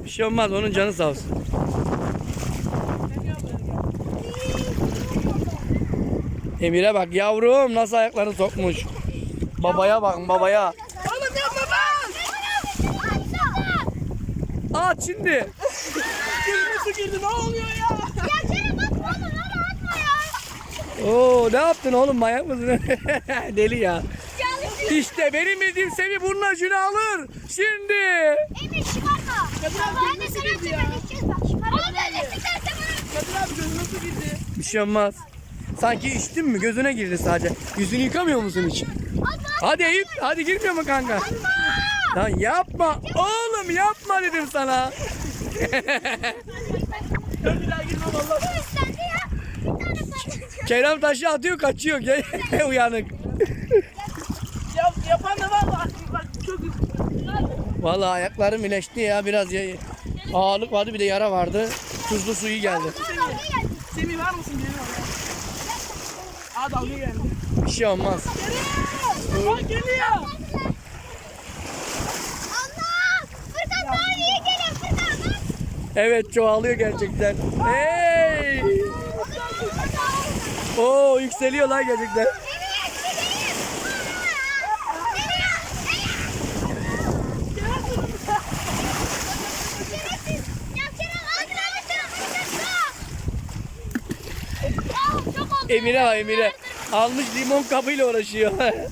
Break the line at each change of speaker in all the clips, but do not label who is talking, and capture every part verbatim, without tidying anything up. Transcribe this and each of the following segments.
Bir şey olmaz, onun canı sağ olsun. Emir'e bak yavrum, nasıl ayaklarını sokmuş. Babaya bakın, babaya.
Oğlum yapma ben.
At şimdi.
Gözüme su girdi, ne oluyor ya?
Ya Kerem atma oğlum, onu atma ya.
Oo, ne yaptın oğlum, manyak mısın? Deli ya.
Yanlış.
İşte benim bildiğim Semih bunun acını alır. Şimdi.
Emir çıkarma.
Kadir abi
Ben de
gözüme su
sana
girdi ya.
çıkartacağız bak. Çıkarma. Oğlum öyle sıkarsa bana.
Kadir abi gözüme su girdi.
Bir şey olmaz. Sanki içtin mi? Gözüne girdi sadece. Yüzünü yıkamıyor musun hiç? Hadi Eyüp, hadi girmiyor mu kanka? Lan yapma. Oğlum yapma dedim sana.
Ben bir daha girmem Allah.
Bu üstlendi ya. Bir tane patlatacağım.
Kerem taşı atıyor, kaçıyor. Gel uyanık.
Yap, yapan da var bak. Bak çok
Vallahi ayaklarım iyileşti ya. Biraz ya, ağırlık vardı, bir de yara vardı. Tuzlu suyu geldi.
Semih var mısın? Geliyor. Aa dalga geldi.
Bir şey olmaz.
Aa geliyor.
Allah! Furkan daha iyi geliyor Furkan. Bak.
Evet, çoğalıyor gerçekten. Hey! Oo, yükseliyor lan gerçekten.
Nereye gideyim? Nereye? Ya Kerem hadi hadi hadi. Çok oldu.
Emire bak, Emire. Almış limon kabıyla uğraşıyor.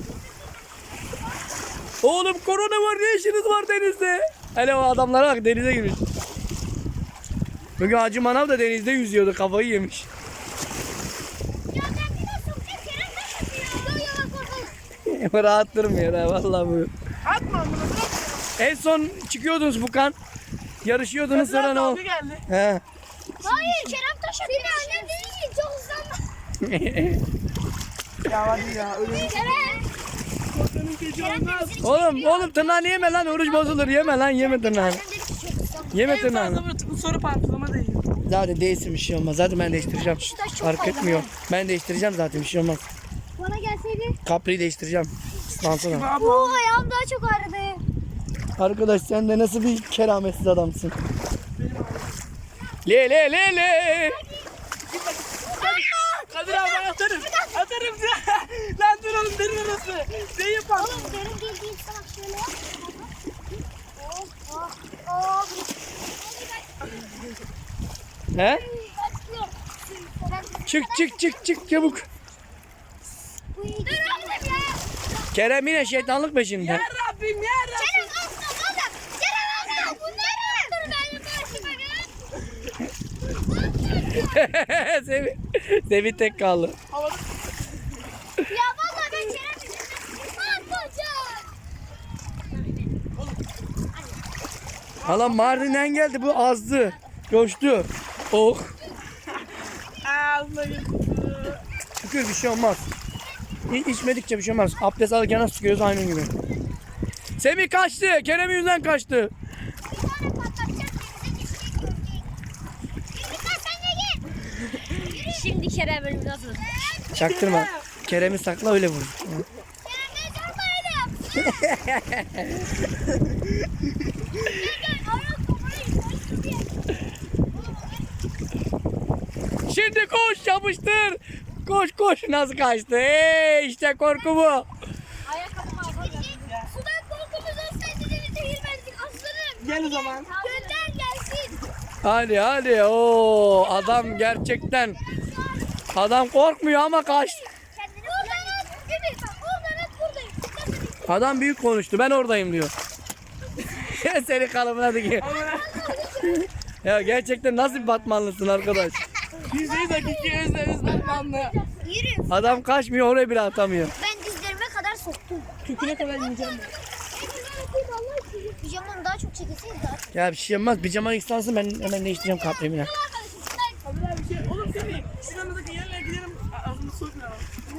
Oğlum korona var, ne işiniz var denizde? Hele o adamlara bak, denize girmiş. Bugün Hacı Manav da denizde yüzüyordu, kafayı yemiş.
Ya ben bir nasıl bir Kerem taş atıyor. Yo yo bak orada.
Rahat durmuyor ha, vallahi bu.
Atma bunu. Bırak.
En son çıkıyordunuz Bukan. Yarışıyordunuz, sonra ne oldu?
Dalga geldi.
He.
Hayır Kerem taş atıyor. Bir annem dedi ki çok hızlanma.
Ya hadi ya. Öyle
Kerem.
korkanın gücü olmaz.
Oğlum, oğlum tırnağını yeme lan, oruç bozulur. Yeme lan, yeme tırnağını.
Annem dedi ki çok hızlanma.
Yeme
En
tırnağını.
fazla bu soru pantolama değil.
Zaten değilsin, bir şey olmaz. Zaten ben değiştireceğim.
taş çok
Fark
fazla.
etmiyor. Ben değiştireceğim zaten, bir şey olmaz.
Bana gelseydi.
Kapriyi değiştireceğim. Islansana.
Oo ayağım daha çok ağrıdı.
Arkadaş sen de nasıl bir kerametsiz adamsın. Le le le le.
Kadir abi ben atarım. Atarım. Lan dur oğlum derin orası. Ne yapalım?
Oğlum benim bildiğim salak şöyle. Oh oh oh.
He? Çık çık çık çık çabuk.
Dur oğlum ya.
Kerem yine şeytanlık peşinde.
Ya Rabbim ya Rabbim.
Kerem asla oğlum. Kerem asla. Bunlar dur benim başıma gel.
Sevi, Sevi tek kaldı.
Havada
Ya vallahi ben Kerem yüzünden atacağım.
Hala Mardin'den geldi, bu azdı. Coştu. Oh.
ağzına girdi.
Şükür bir şey olmaz. Hiç içmedikçe bir şey olmaz. Abdest alırken nasıl çıkıyoruz aynı gibi. Semih kaçtı. Kerem yüzünden kaçtı.
Bir tane patlatacağız denize düşecek görecek. Lütfen sen de gel. Şimdi Kerem bölümü nasıl?
Çaktırma. Kerem'i sakla, öyle vur.
Kerem ben sormaydım. Gel gel. Ayak koparayım.
Şimdi koş, yapıştır. Koş koş, nasıl kaçtı? Hey, işte korku bu.
Ayakkabımı alacağım. Sudan korkumuz olsaydı denize girmezdik aslanım.
Gel o zaman.
Gönder gelsin.
Hadi hadi. Oo, adam gerçekten. Adam korkmuyor ama kaçtı.
Kendini oradan at. Ümit bak oradan at buradayım.
Adam büyük konuştu. Ben oradayım diyor. Seni kalıbına dikiyor. Ya gerçekten nasıl bir Batmanlısın arkadaş?
Yüzdeyi dakika özle özlenmanlı.
Yürü.
Adam kaçmıyor, oraya bile atamıyor.
Ben dizlerime kadar soktum.
Köküne kadar ineceğim.
Pijamam daha çok çekilseydi daha çok.
Ya bir şey olmaz. Pijaman ıslansın, ben hemen değiştireceğim kapremine.
Kadir abi şey. Oğlum Semih. Şuramızdaki yerlere gidelim. Ağzını sokma.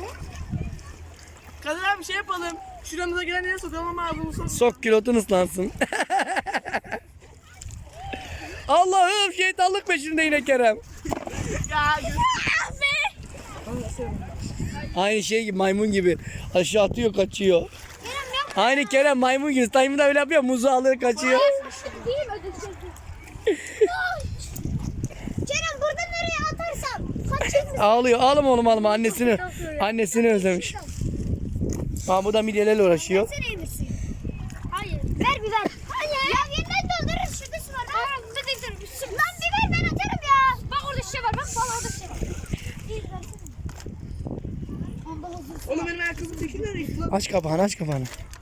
Kadir abi şey yapalım. Şuramıza gelen yere sokalım ama ağzını sokma.
Sok kilotun ıslansın. Allah'ım, şeytanlık peşinde yine Kerem.
Ya
Aynı şey gibi, maymun gibi. Aşağı atıyor, kaçıyor. Aynı Kerem maymun gibi. Time da öyle yapıyor, muzu alıyor, kaçıyor. Ağlıyor. Ağlama oğlum ağlama. Annesini annesini özlemiş. Aa, bu da midyelerle uğraşıyor.
Sen iyi misin? Hayır. Ver bir ver. Hayır. Ya yeniden doldururuz. Şurada su var. Lan burada değil. Lan bir ver ben atarım ya. Bak orada şişe var. Bak bak orada şişe var. İyi versene. Onda hazır.
Oğlum benim ayakkabım dökülüyor lan.
Aç kapağını aç kapağını.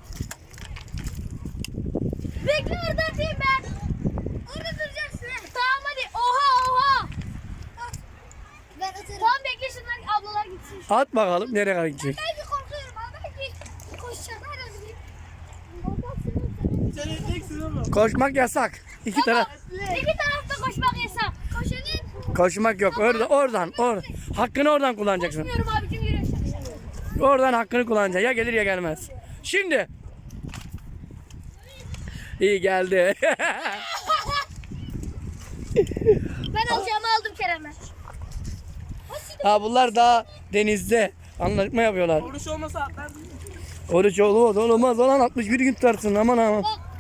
Bekle orada atayım ben. Orada duracaksın. Tamam hadi. Oha oha. Ben atarım. Tamam bekle şunlar ablalar gitsin.
At bakalım nereye kadar gidecek.
Belki korkuyorum ama belki koşacağım. Hadi bir.
Sen edeceksin oğlum.
Koşmak yasak. İki taraf.
İki tarafta koşmak yasak. Koşanın.
Koşmak yok. Orada oradan oradan. Hakkını oradan kullanacaksın.
Koşmuyorum abicim yürü.
Oradan hakkını kullanacaksın. Ya gelir ya gelmez. Şimdi. İyi geldi.
Ben alacağımı aldım Kerem'e.
Ha bunlar daha denizde. Anlaşma yapıyorlar.
Oruç olmasa atlardım.
Oruç olmaz olmaz olan altmış bir gün tutarsın aman aman.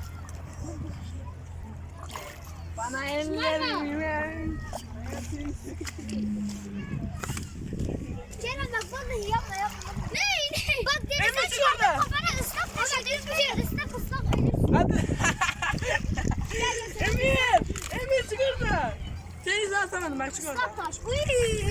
Bana ellerim.
Kerem bak vallahi yapma yapma. Ne? ne? Bak denize
Emre çık
çıkardım
orada.
kafana ıslak taşı. Düzgün ıslak ıslak.
Hadi. Emir. Emir çık orada. Seni izle asamadım ben çık orada.
Islak taş. Uy.